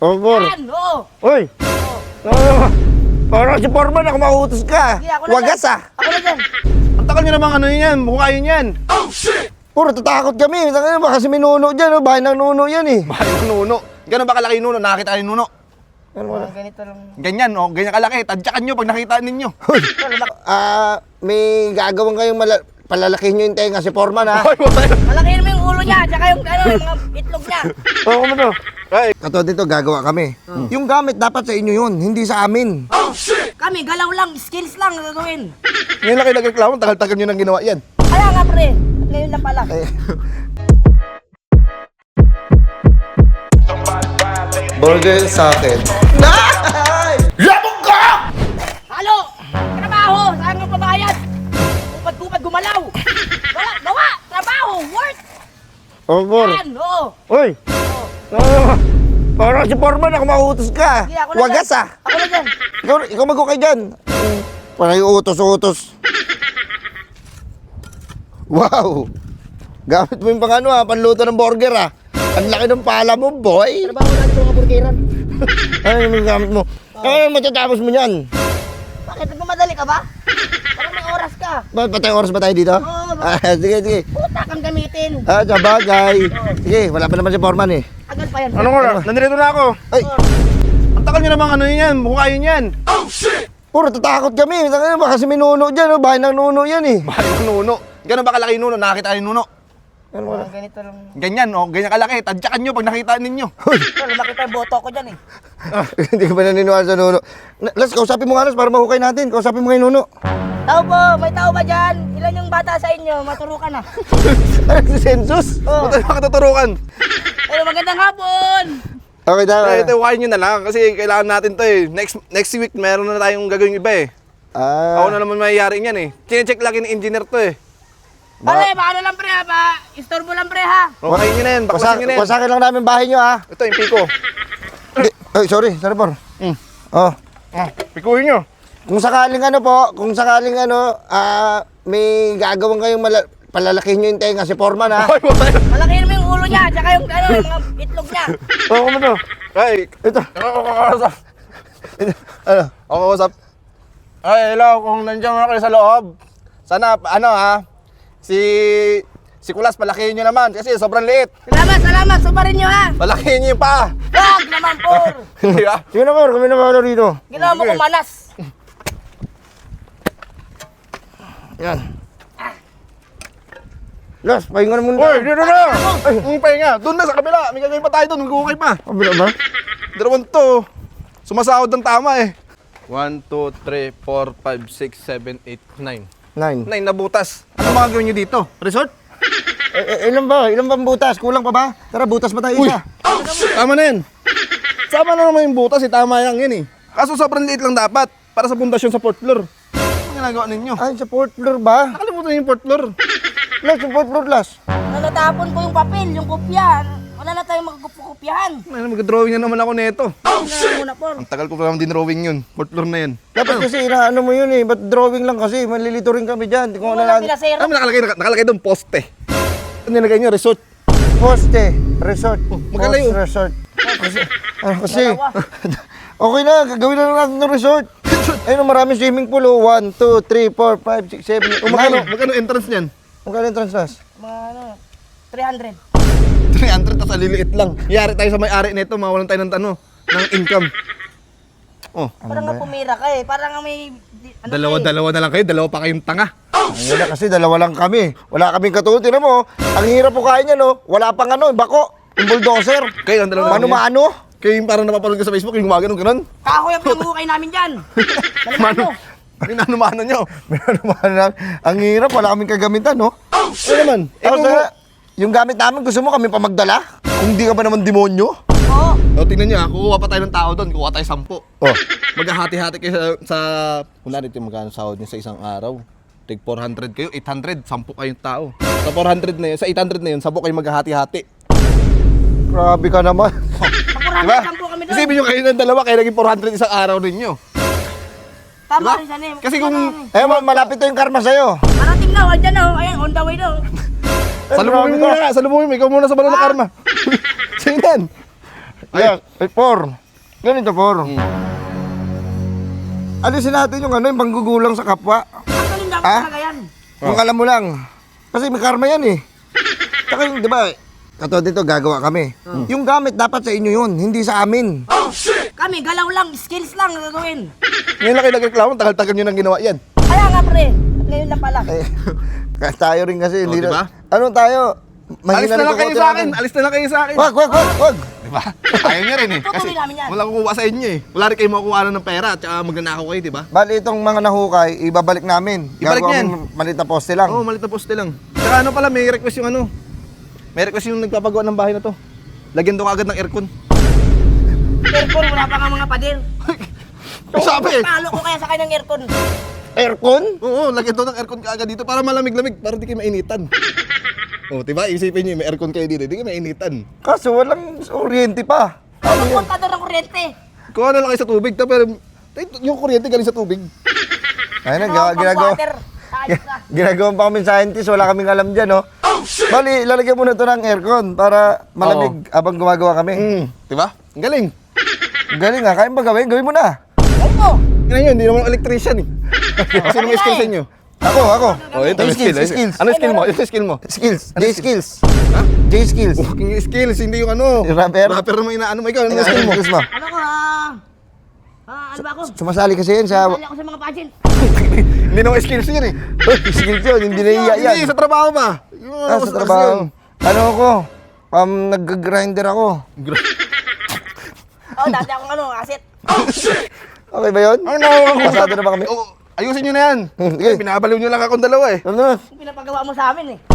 Oh, Bor. Yan, oo. Uy! Parang si Foreman ako mauutos ka. Sige, ako na Wagas dyan. ah. Ako na dyan. Ang takal nyo namang ano yan, mukha yun yan. Puro tatakot kami. Baka si Minuno dyan. Bahay ng Nuno yan eh. Bahay ng nuno. Gano'n ba kalaki yung nuno? Nakakita kayo yung nuno? Ganito lang. Ganyan, oh. Ganyan kalaki. Tadyakan nyo pag nakita ninyo. May gagawin kayong palalakihin nyo yung tenga si Foreman ha. Ay, wala. Malaki naman yung ulo niya, tsaka yung, yung mga itlog niya. Oo, ano to? Ay, Katulad dito, gagawa kami. Yung gamit dapat sa inyo yun, hindi sa amin. Kami, galaw lang, skills lang ang gagawin. ngayon lang kayo nagreklamo, tagal-tagal nyo nang ginawa yan. Kaya nga pre, ngayon lang pala. Burger sa akin. Labog ka! Halo! Trabaho! Saan ang pabayad? Kupad-kupad gumalaw! Wala! Gawa! Trabaho! Work! Oh, Bor. Yan! Oo! Uy! Parang si Foreman ako mauutos ka. Sige, ako na Wagas dyan. ah. Ako na dyan! Ikaw mag-ukay dyan. Parang yung utos-utos. Wow! Gamit mo yung pang ano ha, panluto ng burger ha. Ang laki ng pala mo, boy. Trabaho natin sa mga burgeran. Ano yung gamit mo? Ano matatapos mo yan? Bakit? Nagmamadali ka ba? Parang may oras ka. Patay oras ba tayo dito? Oo. Sige, sige. Puta kang gamitin. Sa bagay. Sige, wala pa naman si Foreman eh. Agad pa yan. Ano nga? Nandito na ako. Ay, Ang takal nyo namang ano yan, mukha yun yan. puro tatakot kami. Baka si Minuno dyan, bahay ng Nuno yan eh. Bahay ng nuno. Gano'n ba kalaki yung nuno? Nakakita kayo yung nuno? Ganito lang. Ganyan, oh. Ganyan kalaki. Tadyakan nyo pag nakita ninyo. Pero nakita yung boto ko dyan eh. Hindi ka ba naniniwala sa Nuno? Las, kausapin mo nga Las para mahukay natin. Kausapin mo kay Nuno. Tao po, may tao ba dyan? Ilan yung bata sa inyo? Maturukan na. Ano si Census? Oh. Punta na katuturukan. Pero magandang hapon! Okay, daw. Ito, hukayin nyo na lang kasi kailangan natin to eh. Next week, meron na tayong gagawin iba eh. Ako na naman mayayari niyan eh. Chine-check lagi ni engineer to eh. Pare, paano lang pre ha? Istorbo lang pre ha? Hukayin nyo na yan, bakwasan nyo na yan. Wasakin lang namin bahay nyo ha. Ito, yung piko. Ay, sorry, Por. Oh. Pikuhin nyo. Kung sakaling ano po, may gagawin kayong palalakihin nyo yung tenga si Foreman ha. Ay, wala. Malaki naman yung ulo niya, tsaka yung, yung mga itlog niya. Oo, ano to? Ay, Ito. ako kakausap. Ano? Ako kakausap. Ay, hello, kung nandiyan mo na kayo sa loob. Sana, ano ha, si Kulas, palakihin nyo naman kasi sobrang liit. Salamat, subarin nyo ha. Palakihin nyo yung paa. Wag naman por. Hindi ba? Sige na Por, kami na ba rito? Ginawa mo kong manas. Yan. Las, pahinga na muna. Uy, dito na! Ay, pahinga. Doon na sa kabila. May gagawin pa tayo doon. Magkukay pa. Kabila ba? Dalawang to. Sumasahod ng tama eh. 1, 2, 3, 4, 5, 6, 7, 8, 9. 9. 9 na butas. Ano mga gawin nyo dito? Resort? Ilan ba? Ilan bang butas? Kulang pa ba? Tara, butas pa tayo isa. Tama na yan. Sama na naman yung butas eh. Tama yan eh. Kaso sobrang liit lang dapat. Para sa pundasyon sa 4th floor. Ano ginagawa ninyo? Ay, sa 4th floor ba? Nakalimutan yung 4th floor. Las, sa 4th floor, Las. Natapon ko yung papel, yung kopya. Wala na tayong magkopyahan. Mag-drawing na naman ako nito. Ayun na muna por. Ang tagal ko pa naman din drawing yun. 4th floor na yan. Dapat kasi inaano mo yun eh. Ba't drawing lang kasi? Malilito rin kami dyan. Kung ano Wala lang. pinasero. Ano nakalagay doon? Poste. Ano nilagay nyo? Resort. Poste, resort. magkalayo. Post resort. Kasi, Dalawa. okay na, gagawin na lang natin ng resort. Ayun, maraming swimming pool. 1, 2, 3, 4, 5, 6, 7, 8, 9. Magkano entrance niyan? Magkano entrance, Las? Mga ano, 300. 300 tas aliliit lang. Yari tayo sa may-ari nito, mawalan tayo ng income. Oh, Parang nga pumira ka eh. Parang nga may... Ano dalawa na lang kayo, dalawa pa kayong tanga. Ayun na kasi, dalawa lang kami. Wala kaming katulad. Tinan mo, ang hirap po kain niya, no? Wala pang ano, bako. Yung bulldozer. Kayo ang dalawa lang. Mano-mano. Kayo yung parang napapanood ka sa Facebook, yung gumagano ganun. Kahoy ang pinamukay namin dyan. Malimano. Minano nyo. Mano-mano lang. Ang hirap, wala kaming kagamitan, no? Ano naman? Tapos, yung gamit namin, gusto mo kami pa magdala? Kung di ka ba naman demonyo? Oo. O, tingnan nyo ha, kukuha pa tayo ng tao doon, kukuha tayo 10. Oh. Maghahati-hati kayo sa kung narito yung magkano sahod nyo sa isang araw. Tig 400 kayo, 800, 10 kayong tao. Sa 400 na yun, sa 800 na yun, 10 kayo maghahati-hati. Grabe ka naman. Diba? Pag-400 po kami doon. Isipin nyo kayo ng dalawa, kayo naging 400 isang araw ninyo. Tama Diba? rin siya eh. Kasi kung- Malapit to yung karma sa'yo. Parating na, andyan na. Ayan, on the way daw. Salubungin mo muna, salubungin mo, ikaw muna sa balon ng karma. Sino yan? Yeah, 4. Ganito 4. Alisin natin yung ano, yung panggugulang sa kapwa. Ang dapat Ha? talaga yan. Kung alam mo lang. Kasi may karma yan eh. Tsaka yung, di ba, katulad dito, gagawa kami. Yung gamit dapat sa inyo yun, hindi sa amin. Kami, galaw lang, skills lang ang gagawin. Ngayon lang kayo nagreklamo, tagal-tagal nyo nang ginawa yan. Kaya nga pre, at ngayon lang pala. Eh, tayo rin kasi, hindi diba? na. Ano tayo? Alis na lang rin kayo kukote sa akin, namin. alis na lang kayo sa akin. Wag. Diba? Ayaw niya rin eh. Kasi Tutuloy namin yan. walang kukuha sa inyo eh. Wala rin kayo makukuha ng pera at saka magnanakaw kayo, diba? Bali itong mga nahukay, ibabalik namin. Ibalik Gagawa yan. kami maliit na poste lang. Oo, malit na poste lang. Saka ano pala, may request yung ano. May request yung nagpapagawa ng bahay na to. Lagyan doon agad ng aircon. Aircon, wala pa nga mga pader. Sabi eh. Palo ko kaya sa kanyang aircon. Aircon? Oo, lagyan doon ng aircon kaagad dito para malamig-lamig, para di kayo mainitan. Oo, diba? Isipin nyo, may aircon kayo dito, di kayo mainitan. Kaso walang oriente pa. Ano yung kontador ng kuryente? Kuha na lang kayo sa tubig, pero yung kuryente galing sa tubig. Ayun na, Pang ginagawa. water. Ayos na. Ginagawa pa kami scientist, wala kaming alam dyan, no? Bali, lalagyan muna ito ng aircon para malamig habang gumagawa kami. Diba? Ang galing. Galing nga, kaya ba gawin? Gawin mo na. Ayun mo. Ngayon, hindi naman ako electrician eh. Sino may skill sa inyo? Ako. Oh, ito, May skill. skills. Ano skill mo? Ito skill mo. Skills. J-skills. J-skills. Fucking skills, hindi yung ano. Yung rapper. Rapper naman inaano mo. Ikaw, ano skill mo? Skills mo. Ano ko ano ba ako? Sumasali kasi yan sa... Sali ako sa mga pageant. Hindi naman skills yun eh. Uy, skills yun, hindi nahiya yan. Hindi, sa trabaho ba? Yung ano, Sa trabaho. Ano ako? Nag-grinder ako. Oh, dati akong asset. Okay ba yun? Ano? Pasado na ba kami? Oh, ayusin nyo na yan. Sige. Pinabaliw nyo lang akong dalawa eh. Ano na? Yung pinapagawa mo sa amin eh.